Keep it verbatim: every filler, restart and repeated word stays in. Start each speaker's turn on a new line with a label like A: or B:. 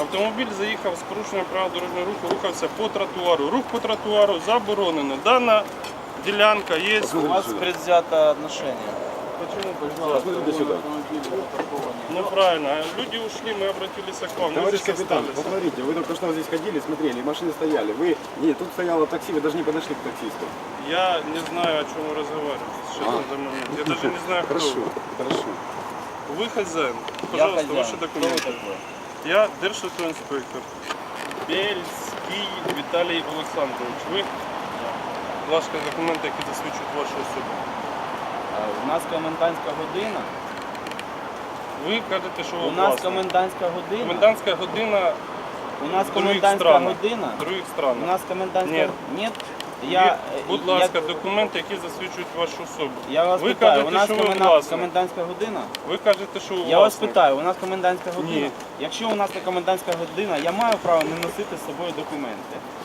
A: Автомобіль заїхав з порушенням правил дорожнього руху, рухався по тротуару. Рух по тротуару заборонено. Дана ділянка є.
B: У вас предвзято отношение.
A: Почему
C: Посмотрите сюда.
A: Неправильно. Люди ушли, мы обратились к вам. Мы
C: Товарищ
A: здесь
C: капитан,
A: остались.
C: посмотрите, вы только что здесь ходили, смотрели, машины стояли. Вы, нет, тут стояло такси, вы даже не подошли к таксисту.
A: Я не знаю, о чем вы разговариваете сейчас
C: А.
A: на данный момент. Я даже не знаю, кто
C: Хорошо,
A: вы.
C: хорошо.
A: Вы хозяин.
B: Я
A: Пожалуйста,
B: хозяин.
A: ваши
B: Кто вы
A: документы.
B: такой?
A: Я державтоінспектор. Бельський Віталій Олександрович. Ви, будь ласка, документи, які засвідчують вашу особу.
B: У нас комендантська година.
A: Ви кажете, що ви
B: У нас
A: власник.
B: комендантська година.
A: Комендантська година
B: У нас
A: в других
B: комендантська
A: странах.
B: година.
A: В других
B: У
A: странах.
B: нас комендантська
A: Ні.
B: Ні.
A: Я,
B: Я,
A: будь
B: я-
A: ласка, документи, які засвідчують вашу особу.
B: Я вас
A: ви
B: питаю,
A: кажете,
B: у нас
A: що ви
B: коменда-
A: власник.
B: комендантська година?
A: Ви кажете, що ви
B: Я вас
A: власник.
B: питаю, у нас комендантська година?
A: Ні.
B: Якщо у нас не комендантська година, я маю право не носити з собою документи.